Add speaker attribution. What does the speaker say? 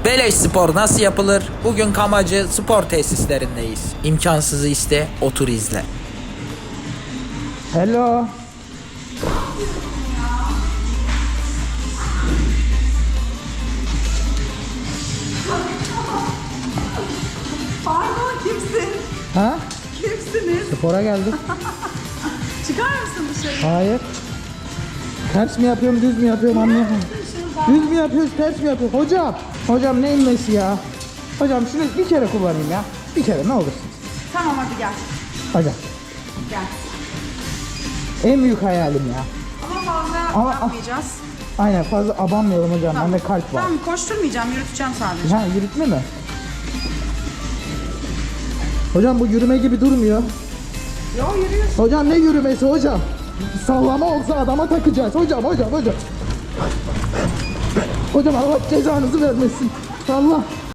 Speaker 1: Beleş spor nasıl yapılır? Bugün Kamacı spor tesislerindeyiz. İmkansızı iste, otur izle. Hello.
Speaker 2: Pardon, kimsin?
Speaker 1: Ha?
Speaker 2: Kimsiniz?
Speaker 1: Spora geldik.
Speaker 2: Çıkar mısın dışarı?
Speaker 1: Hayır. Ters mi yapıyorum, düz mü yapıyorum anlayamadım. Düz mü yapıyoruz, ters mi yapıyoruz? Hocam ne inmesi ya? Hocam şunu bir kere kullanayım ya. Bir kere ne olursun.
Speaker 2: Tamam, hadi gel.
Speaker 1: Hocam
Speaker 2: Gel.
Speaker 1: en büyük hayalim ya.
Speaker 2: Ama fazla
Speaker 1: Ama-
Speaker 2: yapmayacağız.
Speaker 1: Aynen fazla abanmayalım hocam. Bende kalp var.
Speaker 2: Tamam, koşturmayacağım, yürüteceğim sadece.
Speaker 1: Ha yürütme mi? Hocam bu yürüme gibi durmuyor.
Speaker 2: Yo, yürüyorsun.
Speaker 1: Hocam ne yürümesi hocam? Sallama olsa adama takacağız. Hocam. Hocam Allah cezanızı vermesin. Allah.